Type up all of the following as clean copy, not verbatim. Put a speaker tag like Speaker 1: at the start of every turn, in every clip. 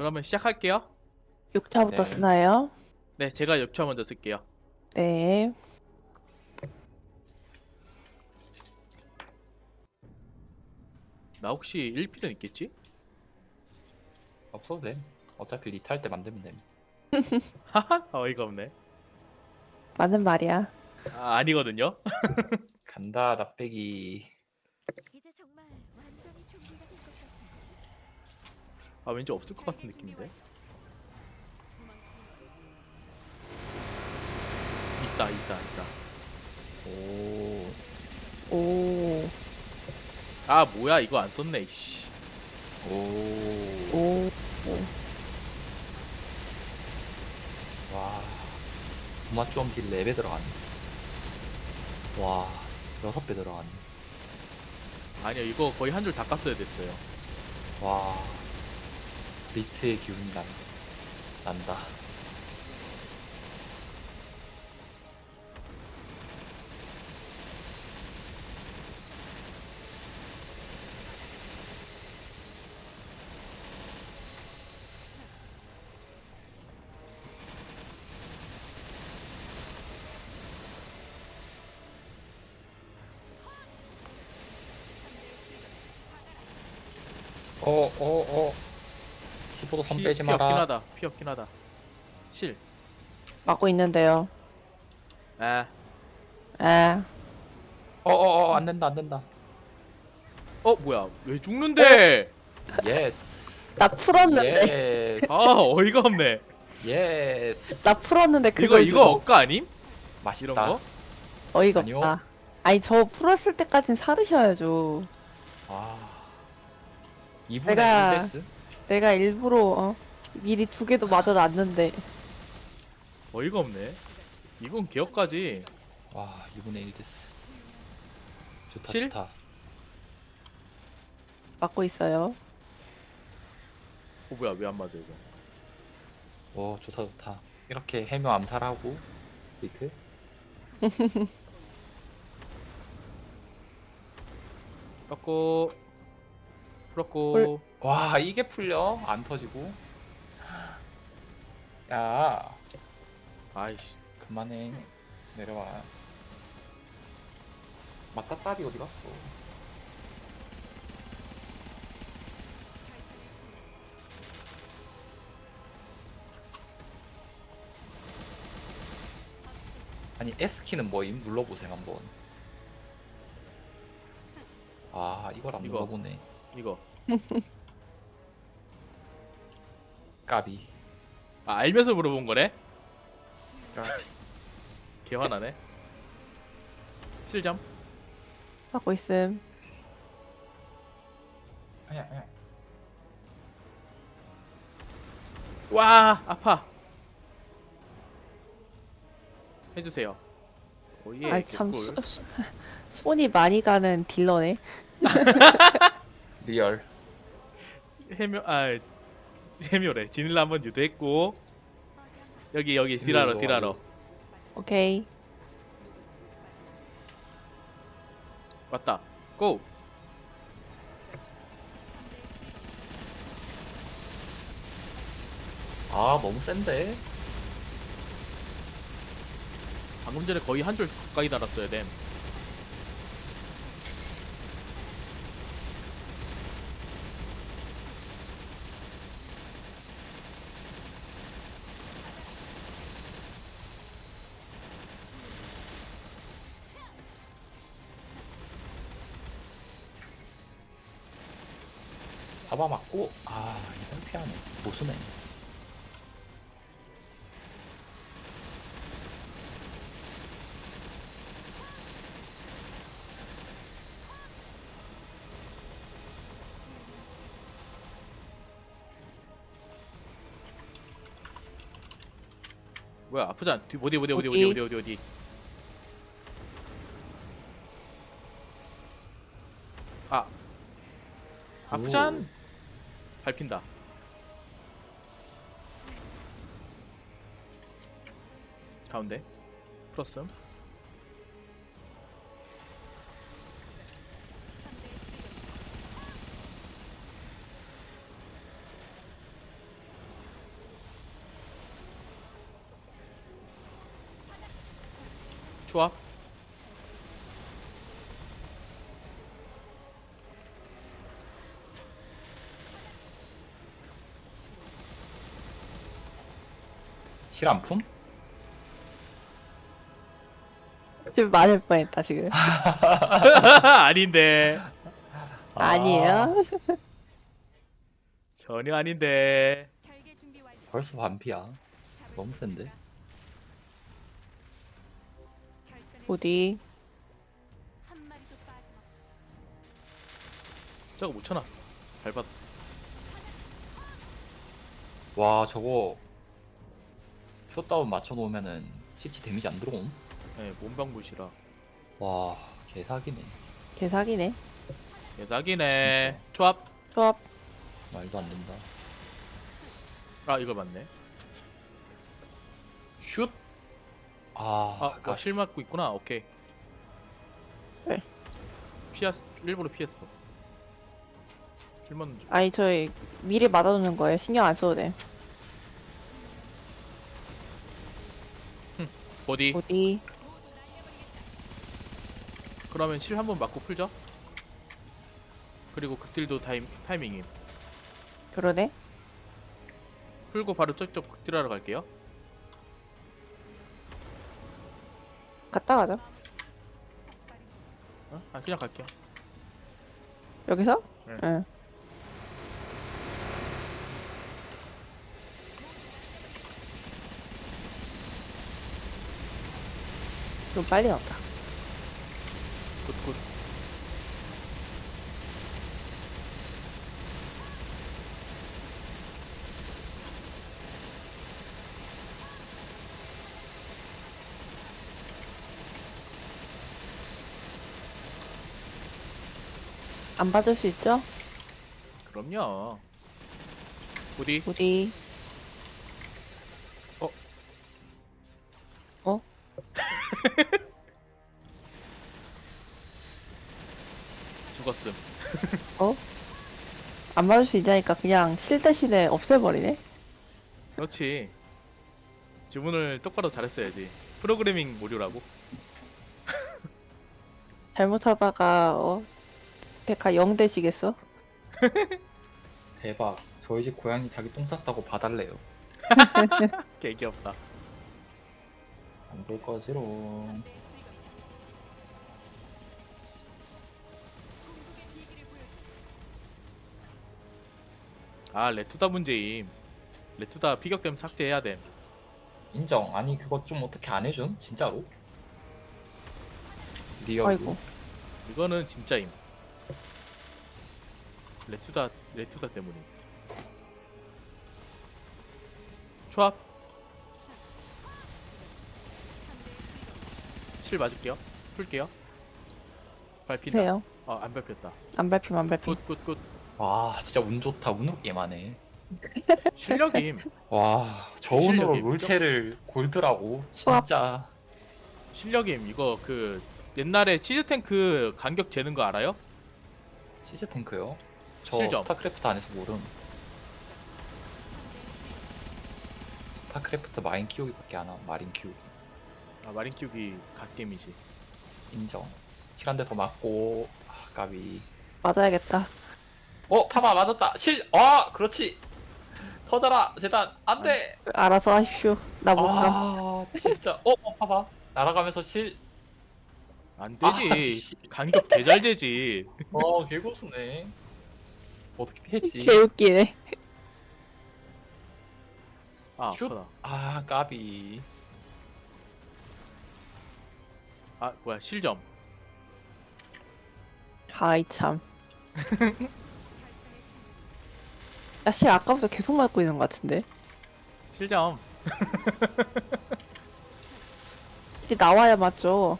Speaker 1: 그러면 시작할게요.
Speaker 2: 6차부터
Speaker 3: 네.
Speaker 2: 쓰나요?
Speaker 1: 네, 제가 6차 먼저 쓸게요.
Speaker 2: 네.
Speaker 1: 나 혹시 1필은 있겠지?
Speaker 3: 없어도 돼. 어차피 리타할 때 만들면 돼.
Speaker 1: 하하, 어이가 없네.
Speaker 2: 맞는 말이야.
Speaker 1: 아, 아니거든요.
Speaker 3: 간다 납배기.
Speaker 4: 이제 정말 완전히 준비가 된 것 같아.
Speaker 1: 아, 왠지 없을 것 같은 느낌인데. 있다.
Speaker 3: 오.
Speaker 2: 오,
Speaker 1: 아, 뭐야, 이거 안 썼네, 씨.
Speaker 3: 오.
Speaker 2: 오,
Speaker 3: 와. 도마점기 4배 들어갔네. 와. 6배 들어갔네.
Speaker 1: 아니요, 이거 거의 한 줄 다 깠어야 됐어요.
Speaker 3: 와. 리트의 기운이 난다. 키보드 손 빼지
Speaker 1: 피 없긴
Speaker 3: 마라.
Speaker 1: 하다. 피 없긴 하다. 실.
Speaker 2: 막고 있는데요.
Speaker 1: 아,
Speaker 2: 아,
Speaker 3: 안 된다.
Speaker 1: 뭐야, 왜 죽는데?
Speaker 3: 예스.
Speaker 2: 나 풀었는데.
Speaker 3: 예스.
Speaker 1: 아, 어이가 없네.
Speaker 3: 예스.
Speaker 2: 나 풀었는데
Speaker 1: 이거
Speaker 2: 그걸
Speaker 1: 이거
Speaker 2: 주고.
Speaker 1: 억까 아님?
Speaker 3: 맛있다.
Speaker 1: 이런 거?
Speaker 2: 어이가
Speaker 3: 아니요.
Speaker 2: 없다. 아니 저 풀었을 때까진 사르셔야죠.
Speaker 3: 와. 2분의
Speaker 2: 내가-
Speaker 3: 1 데스?
Speaker 2: 내가 일부러 미리 2개도 맞아놨는데.
Speaker 1: 어이가 없네. 이건 개혁까지.
Speaker 3: 와, 2분의 1 데스. 좋다,
Speaker 1: 실?
Speaker 3: 좋다.
Speaker 2: 막고 있어요.
Speaker 1: 뭐야, 왜 안 맞아 이거?
Speaker 3: 오, 좋다. 이렇게 해묘 암살하고 리트?
Speaker 1: 깎고 풀었고.
Speaker 3: 와, 이게 풀려? 안 터지고? 야,
Speaker 1: 아이씨.
Speaker 3: 그만해. 내려와. 맞다딸이 어디 갔어? 아니, S키는 뭐임? 눌러보세요, 한번. 아, 이걸 안
Speaker 1: 이거.
Speaker 3: 눌러보네.
Speaker 1: 이거.
Speaker 3: 까비.
Speaker 1: 아, 알면서 물어본 거네?
Speaker 3: 까비.
Speaker 1: 개화나네. 실점.
Speaker 2: 막고 있음.
Speaker 3: 아니야.
Speaker 1: 와, 아파. 해주세요. 오예.
Speaker 2: 아이 참
Speaker 1: 개꿀.
Speaker 2: 손이 많이 가는 딜러네.
Speaker 3: 리얼.
Speaker 1: 해묘래. 지닐라 한번 유도했고. 여기 딜하러.
Speaker 2: 오케이.
Speaker 1: 왔다. 고.
Speaker 3: 아, 너무 센데?
Speaker 1: 방금 전에 거의 한 줄 가까이 달았어야 됨.
Speaker 3: 잡아맞고, 아, 이걸 피하네. 보수네.
Speaker 1: 뭐야, 아프지 않? 어디. 아, 아프잔. 밟힌다. 가운데. 풀었음. 초합.
Speaker 3: 실안품?
Speaker 2: 지금 맞을 뻔했다 지금.
Speaker 1: 아닌데.
Speaker 2: 아니에요?
Speaker 1: 전혀 아닌데.
Speaker 4: 결계 준비 완료.
Speaker 3: 벌써 반피야. 너무 센데?
Speaker 4: 결전의
Speaker 2: 어디?
Speaker 4: 한 마리도 빠짐없이.
Speaker 1: 저거 못 쳐놨어. 밟았.
Speaker 3: 와 저거 숏다운 맞춰놓으면은 CC 데미지 안 들어옴?
Speaker 1: 네, 몸방무시라.
Speaker 3: 와 개사기네.
Speaker 2: 개사기네.
Speaker 1: 대박이네. 초합.
Speaker 2: 조합.
Speaker 3: 말도 안 된다.
Speaker 1: 아 이거 맞네.
Speaker 3: 슛! 아,
Speaker 1: 실 맞고 있구나. 오케이.
Speaker 2: 네.
Speaker 1: 일부러 피했어. 실 맞는 줄.
Speaker 2: 아니 저희 미리 맞아두는 거예요. 신경 안 써도 돼.
Speaker 1: 어디?
Speaker 2: 어디?
Speaker 1: 그러면 실 한번 맞고 풀죠. 그리고 극딜도 타이밍임.
Speaker 2: 그러네.
Speaker 1: 풀고 바로 저쪽 극딜하러 갈게요.
Speaker 2: 갔다 가죠.
Speaker 1: 어? 아 그냥 갈게요.
Speaker 2: 여기서?
Speaker 1: 네.
Speaker 2: 응. 좀 빨리 나왔다.
Speaker 1: 굿굿.
Speaker 2: 안 받을 수 있죠?
Speaker 1: 그럼요. 어디?
Speaker 2: 어디?
Speaker 1: 어?
Speaker 2: 어?
Speaker 1: 죽었음.
Speaker 2: 어? 안 받을 수 있다니까 그냥 실 대신에 없애버리네?
Speaker 1: 그렇지. 주문을 똑바로 잘했어야지. 프로그래밍 모듈라고.
Speaker 2: 잘못하다가 데카 0 되시겠어?
Speaker 3: 대박. 저희 집 고양이 자기 똥 쌌다고 봐달래요.
Speaker 1: 개 귀엽다.
Speaker 3: 안 볼 거지롱.
Speaker 1: 아 레투다 문제임. 레투다 피격되면 삭제해야 됨.
Speaker 3: 인정. 아니 그거 좀 어떻게 안 해줌? 진짜로? 리얼.
Speaker 2: 아이고.
Speaker 1: 이거는 진짜임. 레투다 때문임. 초합. 실 맞을게요. 풀게요. 밟힌다.
Speaker 2: 세요.
Speaker 1: 안 밟혔다.
Speaker 2: 안 밟히면 안 밟힘.
Speaker 1: 굿굿굿.
Speaker 3: 와 진짜 운 좋다. 운으로 게임하네.
Speaker 1: 실력임.
Speaker 3: 와 저 운으로
Speaker 1: 실력이
Speaker 3: 롤체를 골드라고? 진짜.
Speaker 1: 실력임. 이거 그 옛날에 치즈 탱크 간격 재는 거 알아요?
Speaker 3: 시즈 탱크요? 저
Speaker 1: 실점.
Speaker 3: 스타크래프트 안에서 모름. 스타크래프트 마인 키우기밖에 안 함. 마린 키우기.
Speaker 1: 아 마린 키우기 갓겜이지.
Speaker 3: 인정. 실 한 대 더 맞고. 아 까비.
Speaker 2: 맞아야겠다.
Speaker 3: 파마 맞았다. 그렇지. 터져라 재단 안돼.
Speaker 2: 알아서 하십시오. 나 못 가.
Speaker 3: 아 진짜. 파마 날아가면서 실.
Speaker 1: 안 되지.
Speaker 3: 씨.
Speaker 1: 간격 개 잘 되지.
Speaker 3: 개고수네. 어떻게 피했지?
Speaker 2: 개웃기네.
Speaker 1: 아
Speaker 3: 슛.
Speaker 1: 아프다.
Speaker 3: 까비.
Speaker 1: 뭐야 실점.
Speaker 2: 아이 참. 나 실 아까부터 계속 맞고 있는 것 같은데.
Speaker 1: 실점.
Speaker 2: 실 나와야 맞죠.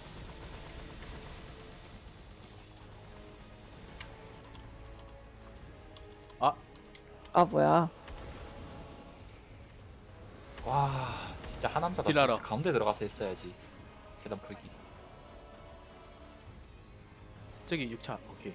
Speaker 2: 아 뭐야.
Speaker 3: 와 진짜 하남자다.
Speaker 1: 딜하러.
Speaker 3: 가운데 들어가서 했어야지. 재단 풀기.
Speaker 1: 저기 6차. 오케이.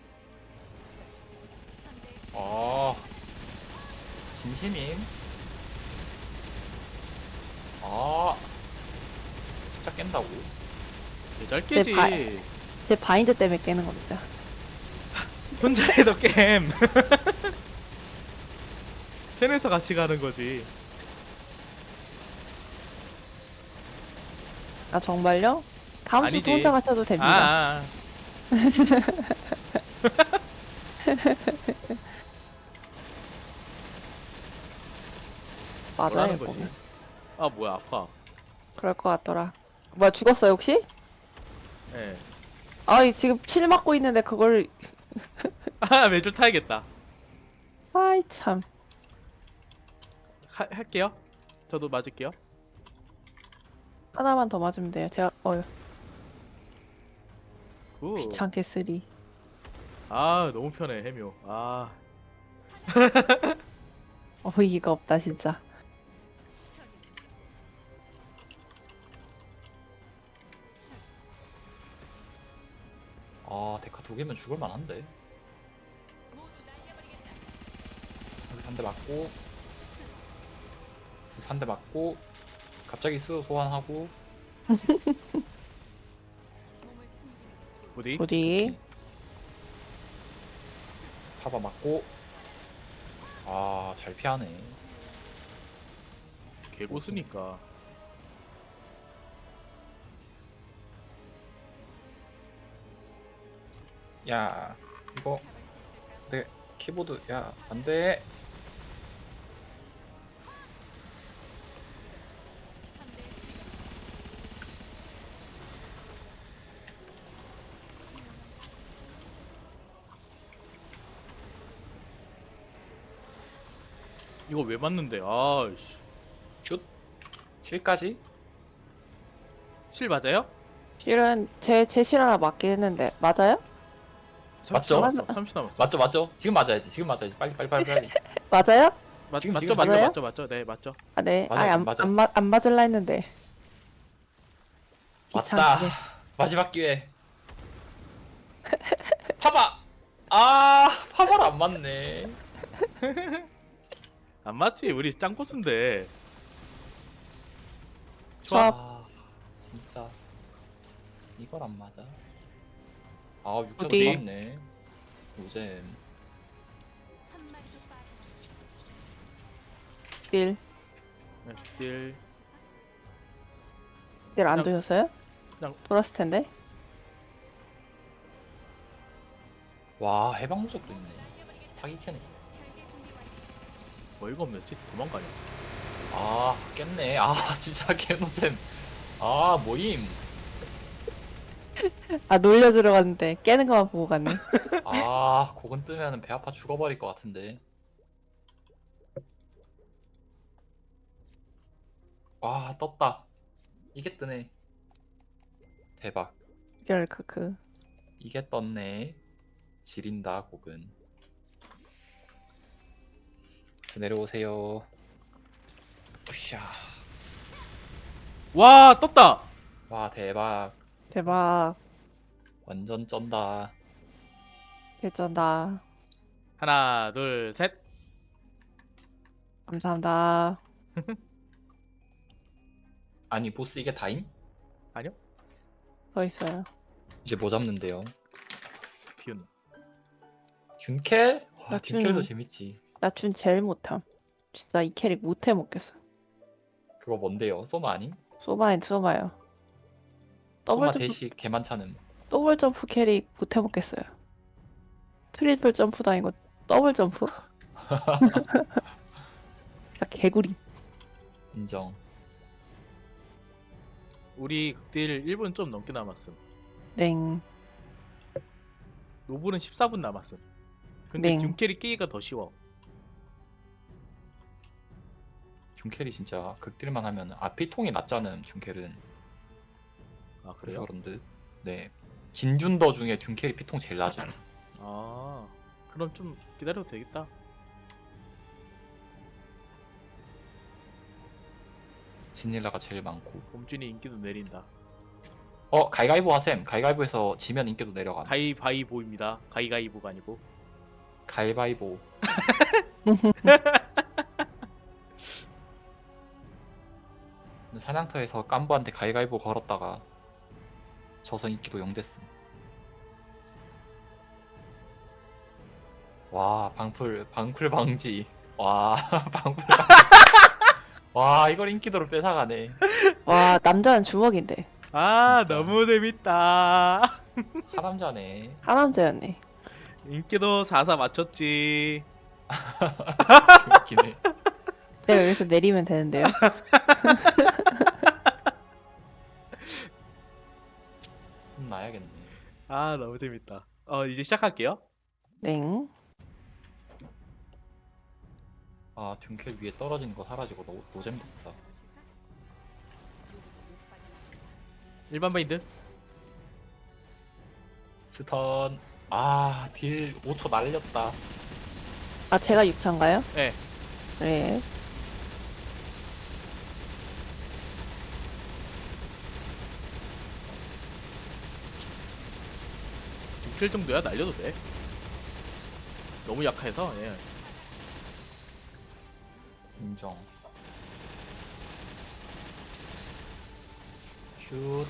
Speaker 3: 진심임. 진짜 깬다고.
Speaker 1: 잘 깨지.
Speaker 2: 제 바인드 때문에 깨는 겁니다.
Speaker 1: 혼자 해도 게임. 팬에서 같이 가는 거지.
Speaker 2: 아 정말요? 다음
Speaker 1: 아니지.
Speaker 2: 주 혼자 가셔도 됩니다.
Speaker 1: 아.
Speaker 2: 맞아요.
Speaker 1: 뭐라는 거지?
Speaker 2: 이거는.
Speaker 1: 아 뭐야 아파.
Speaker 2: 그럴 것 같더라. 뭐야 죽었어요 혹시?
Speaker 1: 예.
Speaker 2: 아 지금 칠 맞고 있는데 그걸
Speaker 1: 아 매줄 타야겠다.
Speaker 2: 아이 참.
Speaker 1: 할게요. 저도 맞을게요.
Speaker 2: 하나만 더 맞으면 돼요. 제가
Speaker 1: 굿.
Speaker 2: 귀찮게 쓰리.
Speaker 1: 아 너무 편해 해묘. 아
Speaker 2: 어이가 없다 진짜.
Speaker 3: 아 데카 2개면 죽을 만한데. 여기 3대 맞고, 여기 3대 맞고, 갑자기 스스로 소환하고.
Speaker 4: 몸을 숨기는 게
Speaker 1: 어디?
Speaker 2: 어디?
Speaker 3: 타바 맞고. 아 잘 피하네.
Speaker 1: 개고수니까.
Speaker 3: 야 이거 내 키보드 야 안돼.
Speaker 1: 이거 왜 맞는데? 아씨.
Speaker 3: 슛 실까지.
Speaker 1: 실 맞아요?
Speaker 2: 실은 제 실 하나 맞긴 했는데 맞아요?
Speaker 1: 30
Speaker 3: 맞죠?
Speaker 1: 남았어. 30 남았어.
Speaker 3: 맞죠 맞죠. 지금 맞아야지. 지금 맞아야지. 빨리.
Speaker 2: 맞아요?
Speaker 1: 맞죠
Speaker 3: 지금,
Speaker 1: 맞죠
Speaker 3: 지금,
Speaker 1: 맞죠
Speaker 2: 맞아요?
Speaker 1: 맞죠 맞죠. 네 맞죠.
Speaker 2: 아 네.
Speaker 3: 맞아,
Speaker 2: 아니
Speaker 3: 맞아.
Speaker 2: 안 맞을라 했는데.
Speaker 3: 맞다.
Speaker 2: 귀찮게.
Speaker 3: 마지막 기회. 파바. 아 파바를 안 맞네.
Speaker 1: 안 맞지. 우리 짱코수인데.
Speaker 2: 좋아.
Speaker 3: 아 진짜 이걸 안 맞아. 아 육자도
Speaker 2: 어디?
Speaker 3: 맞네. 요즘
Speaker 4: 한 마리도 빠짐없이
Speaker 2: 딜.
Speaker 1: 네, 딜.
Speaker 2: 딜 안
Speaker 1: 그냥-
Speaker 2: 도셨어요?
Speaker 1: 그냥-
Speaker 2: 돌았을 텐데.
Speaker 3: 와 해방 무적도 있네. 사기 캐네.
Speaker 4: 별개 준비 완료.
Speaker 1: 어이가 없네지. 도망가냐.
Speaker 3: 아 깼네. 아 진짜 개노잼. 아 모임.
Speaker 2: 아 놀려 들어갔는데 깨는 것만 보고 갔네.
Speaker 3: 아 곡은 뜨면은 배 아파 죽어버릴 것 같은데. 와 떴다. 이게 뜨네. 대박.
Speaker 2: 이럴 크크.
Speaker 3: 이게 떴네. 지린다 곡은. 내려오세요. 으쌰.
Speaker 1: 와 떴다.
Speaker 3: 와 대박.
Speaker 2: 대박.
Speaker 3: 완전 쩐다.
Speaker 2: 개쩐다.
Speaker 1: 하나 둘 셋.
Speaker 2: 감사합니다.
Speaker 3: 아니 보스 이게 다임?
Speaker 1: 아니요.
Speaker 2: 더 있어요.
Speaker 3: 이제 뭐 잡는데요?
Speaker 1: 듀н.
Speaker 3: 균켈? 와
Speaker 2: 나
Speaker 3: 균켈도
Speaker 2: 균-
Speaker 3: 재밌지.
Speaker 2: 나 준 제일 못함. 진짜 이 캐릭 못해 먹겠어.
Speaker 3: 그거 뭔데요? 소마 아님?
Speaker 2: 소바인 소바요. 더블
Speaker 3: 소마
Speaker 2: 점프
Speaker 3: 대시 개만차는.
Speaker 2: 더블 점프 캐릭 못해 먹겠어요. 트리플 점프도 아니고 더블 점프? 진짜 개구리.
Speaker 3: 인정.
Speaker 1: 우리 극딜 1분 좀 넘게 남았음.
Speaker 2: 랭.
Speaker 1: 노블은 14분 남았음. 근데
Speaker 2: 네.
Speaker 1: 듀캐리 깨기가 더 쉬워.
Speaker 3: 균켈이 진짜 극딜만 하면 피통이 낮잖아. 균켈은.
Speaker 1: 아
Speaker 3: 그래서
Speaker 1: 그래요?
Speaker 3: 그런 듯. 네. 진준더 중에 균켈이 피통 제일 낮아.
Speaker 1: 아 그럼 좀 기다려도 되겠다.
Speaker 3: 진일라가 제일 많고.
Speaker 1: 봄준이 인기도 내린다.
Speaker 3: 가위가위보 하셈. 가위가위보에서 지면 인기도 내려가.
Speaker 1: 가위바위보입니다. 가위가위보가 아니고.
Speaker 3: 가위바위보. 사냥터에서 깐부한테 가위가위보 걸었다가 저서 인기도 0 됐음. 와 방풀 방지. 와 방풀 방지. 와 이걸 인기도로 뺏어가네.
Speaker 2: 와 남자는 주먹인데
Speaker 1: 아
Speaker 3: 진짜.
Speaker 1: 너무 재밌다.
Speaker 3: 하남자네.
Speaker 2: 하남자였네.
Speaker 1: 인기도 4사 맞췄지.
Speaker 3: 웃기네.
Speaker 2: 내가 여기서 내리면 되는데요.
Speaker 3: 나야겠네.
Speaker 1: 아 너무 재밌다. 이제 시작할게요.
Speaker 2: 땡.
Speaker 3: 아 둔켈 위에 떨어지는 거 사라지고 노잼 됐다.
Speaker 1: 일반 바인드.
Speaker 3: 스턴. 아딜 5초 날렸다.
Speaker 2: 아 제가 6차인가요?
Speaker 1: 네.
Speaker 2: 네.
Speaker 1: 킬 정도야 날려도 돼. 너무 약해서. 예.
Speaker 3: 인정. 슛.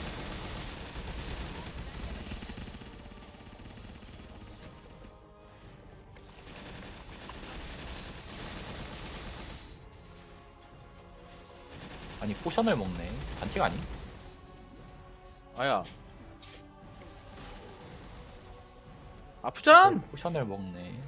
Speaker 3: 아니 포션을 먹네. 반칙 아니?
Speaker 1: 아야. 아프잔.
Speaker 3: 포션을 먹네.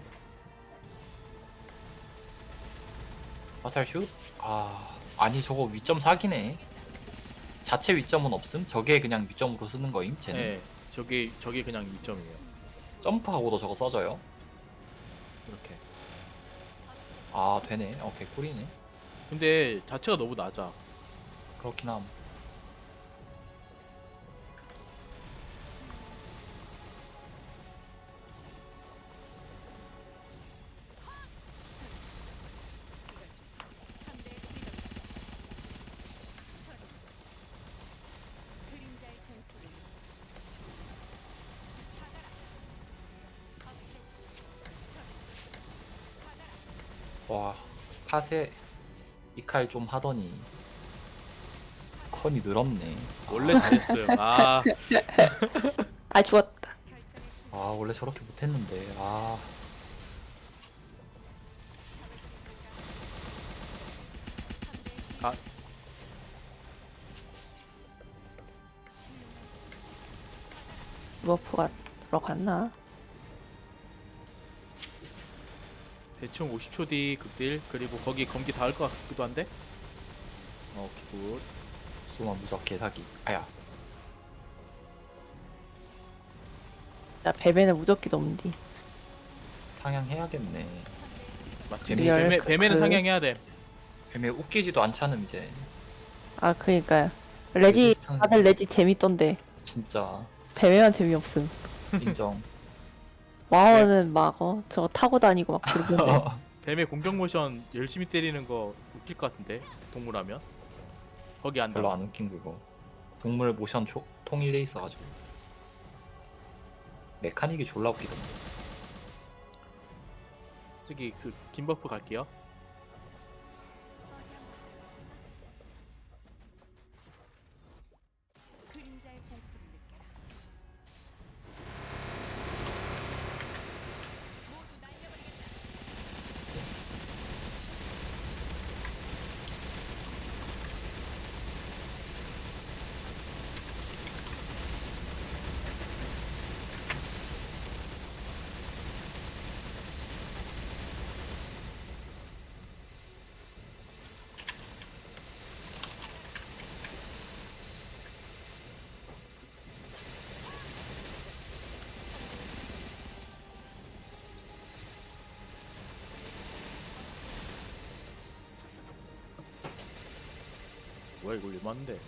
Speaker 3: 화살 슛? 아니 저거 위점 사기네. 자체 위점은 없음? 저게 그냥 위점으로 쓰는 거임? 쟤는?
Speaker 1: 네. 저게 그냥 2점이에요.
Speaker 3: 점프하고도 저거 써져요? 이렇게. 아 되네. 개꿀이네.
Speaker 1: 근데 자체가 너무 낮아.
Speaker 3: 그렇긴 함.
Speaker 4: 그림자의 공포를
Speaker 3: 와 카세 이 칼 좀 하더니 컨이 늘었네.
Speaker 1: 원래 잘했어요. 아
Speaker 2: 아 죽었다.
Speaker 3: 원래 저렇게 못했는데.
Speaker 2: 버프가 들어갔나?
Speaker 1: 대충 50초 뒤 극딜. 그리고 거기 검기 닿을 것 같기도 한데. 오케이 굿.
Speaker 3: 수마 무적 개사기. 아야.
Speaker 2: 야 뱀에는 무적기도 없는데.
Speaker 3: 상향해야겠네.
Speaker 1: 맞지.
Speaker 2: 리얼
Speaker 1: 뱀에는
Speaker 2: 그-
Speaker 1: 상향해야 돼.
Speaker 3: 뱀에 웃기지도 않잖음 이제.
Speaker 2: 아 그니까요. 레지
Speaker 3: 비슷한-
Speaker 2: 다들 레지 재밌던데
Speaker 3: 진짜
Speaker 2: 뱀에만 재미없음.
Speaker 3: 인정.
Speaker 2: 와우는 막 저거 타고 다니고 막 그러던데.
Speaker 1: 뱀의 공격 모션 열심히 때리는 거 웃길 것 같은데. 동물하면. 거기 안
Speaker 3: 별로
Speaker 1: 닿아.
Speaker 3: 안 웃긴 그거. 동물 모션 통일돼 있어가지고 메카닉이 졸라 웃기던데.
Speaker 1: 저기 그 김버프 갈게요.
Speaker 4: 그림자의 공포를 느껴라. 모두 날려버리겠다.
Speaker 1: 뭐야 이거 얼마인데?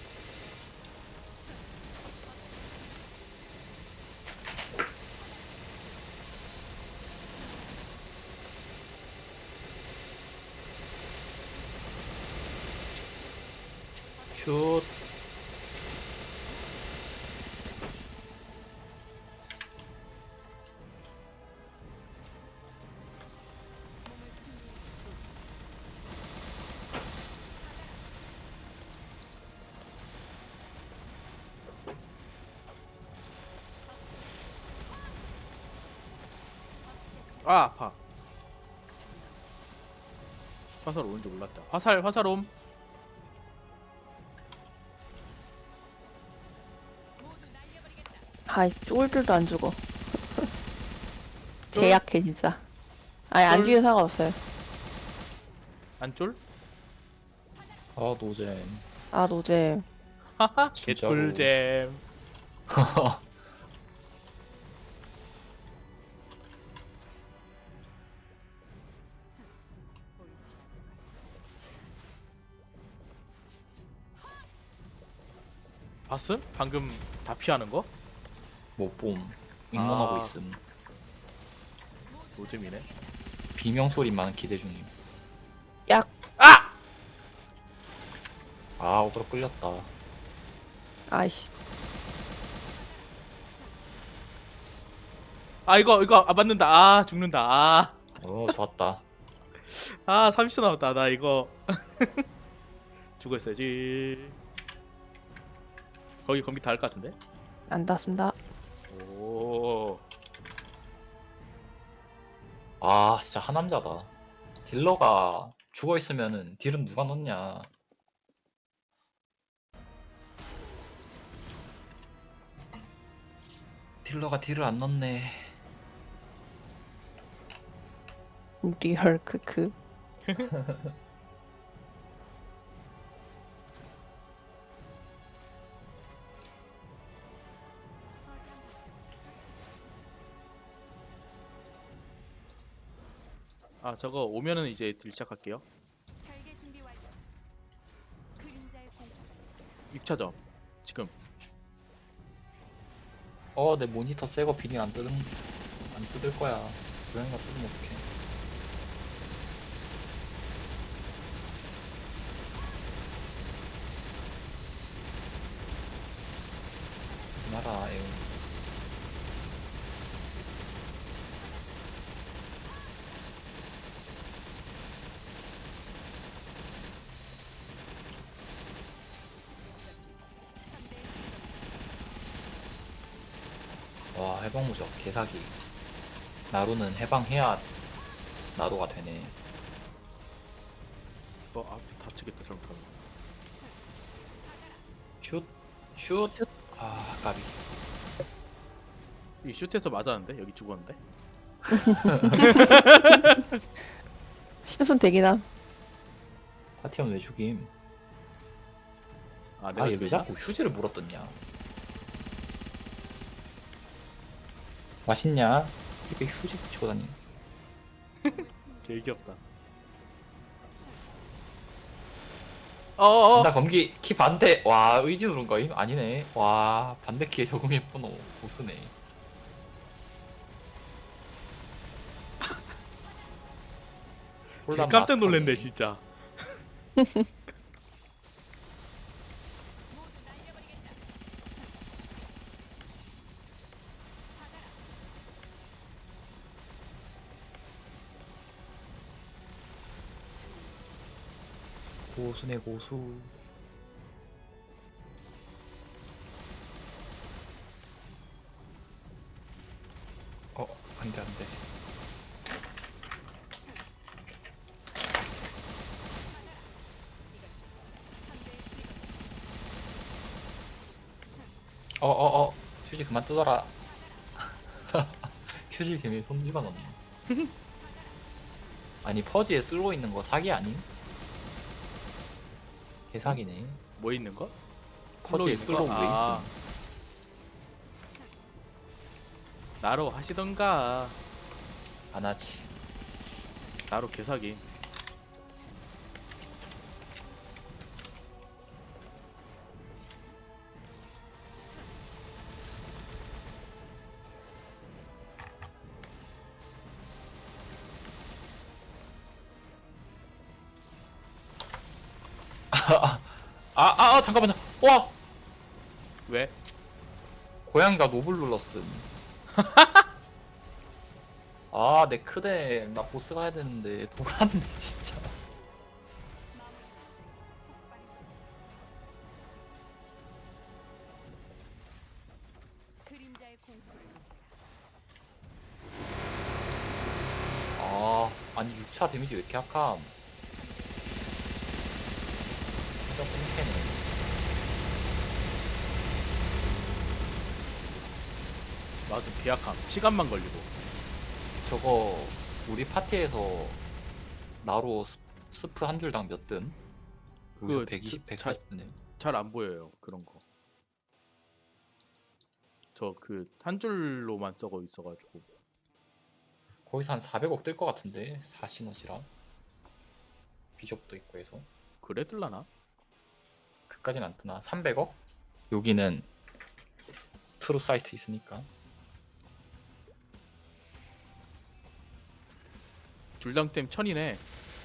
Speaker 3: 슛.
Speaker 1: 아 아파. 화살 오는지 몰랐다. 화살옴.
Speaker 2: 아이 쫄들도 안 죽어.
Speaker 1: 쫄?
Speaker 2: 개약해 진짜. 아니 안
Speaker 1: 쫄?
Speaker 2: 죽여도 상관없어요.
Speaker 1: 안쫄?
Speaker 3: 아 노잼.
Speaker 2: 아 노잼.
Speaker 1: 하하.
Speaker 3: 진짜로.
Speaker 1: 개꿀잼. 봤음? 방금 다 피하는 거?
Speaker 3: 못봄. 응원하고
Speaker 1: 아.
Speaker 3: 있음.
Speaker 1: 노잼이네.
Speaker 3: 비명 소리만 기대 중임.
Speaker 2: 약.
Speaker 1: 아!
Speaker 3: 아 오도로 끌렸다.
Speaker 2: 아이씨.
Speaker 1: 아 이거 아 맞는다. 아 죽는다.
Speaker 3: 좋았다.
Speaker 1: 아 30초 남았다. 나 이거 죽어 있어야지. 거기 검기 다 할 것 같은데?
Speaker 2: 안 닿습니다.
Speaker 1: 오.
Speaker 3: 아 진짜 하남자다. 딜러가 죽어 있으면은 딜은 누가 넣냐. 딜러가 딜을 안 넣네.
Speaker 2: 리얼 크크.
Speaker 1: 아 저거 오면은 이제 딜 시작할게요.
Speaker 4: 결계 준비 완료. 그림자의 공포.
Speaker 1: 6차점. 지금.
Speaker 3: 내 모니터 새거 비닐 안 뜯을 거야. 고양이가 뜯으면 어떡해. 마라 에온. 와 해방무적 개사기. 나루는 해방해야 나루가 되네.
Speaker 1: 앞에 다치겠다 잘못하면.
Speaker 3: 슛. 아 까비.
Speaker 1: 이 슛에서 맞았는데 여기 죽었는데.
Speaker 2: 슛은 되긴
Speaker 3: 파티엄 왜 죽임?
Speaker 1: 아 내가
Speaker 3: 얘 왜
Speaker 1: 죽였나?
Speaker 3: 자꾸 휴지를 물었더냐? 맛있냐? 입에 휴지 붙이고 다니.
Speaker 1: 개 귀엽다. 어어어.
Speaker 3: 나 검기 키 반대. 와 의지 누른 거임? 아니네. 와 반대 키에 적응했구노. 보스네.
Speaker 1: 개 깜짝 놀랐네 진짜.
Speaker 3: 고수네 고수. 안돼 안돼. 휴지 그만 뜯어라. 휴지 재미 손 집어넣네. 아니 퍼지에 쓸고 있는 거 사기 아님? 개사기네.
Speaker 1: 뭐 있는 거?
Speaker 3: 퍼지에
Speaker 1: 있는 거?
Speaker 3: 쓸고 왜
Speaker 1: 아.
Speaker 3: 있음?
Speaker 1: 나로 하시던가.
Speaker 3: 안 하지.
Speaker 1: 나로 개사기.
Speaker 3: 잠깐만요. 와
Speaker 1: 왜?
Speaker 3: 고양이가 노블 눌렀음. 내 크대. 나 보스 가야 되는데 돌았네 진짜.
Speaker 4: 그림자의 공포를 느껴라.
Speaker 3: 차 데미지 왜 이렇게 약함? 진짜 뽕캐네.
Speaker 1: 맞아 계약함. 시간만 걸리고.
Speaker 3: 저거 우리 파티에서 나로 스프 한 줄당 몇 든? 여기서
Speaker 1: 그
Speaker 3: 120,
Speaker 1: 자-
Speaker 3: 140드네.
Speaker 1: 잘 안 보여요 그런 거. 저 그 한 줄로만 써고 있어가지고.
Speaker 3: 거기서 한 400억 뜰 것 같은데 4시너지랑 비숍도 있고 해서
Speaker 1: 그래 뜰라나?
Speaker 3: 그까진 안 뜨나? 300억? 여기는 트루 사이트 있으니까.
Speaker 1: 줄당템 1000이네.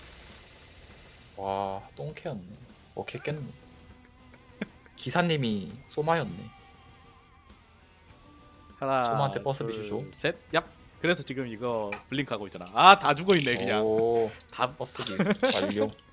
Speaker 3: 와 똥캐였네. 개깼네. 기사님이 소마였네.
Speaker 1: 하나.
Speaker 3: 소마한테 버스비 주죠.
Speaker 1: 셋. 얍. 그래서 지금 이거 블링크하고 있잖아. 아 다 죽어 있네 그냥.
Speaker 3: 오
Speaker 1: 다
Speaker 3: 버스비 완료.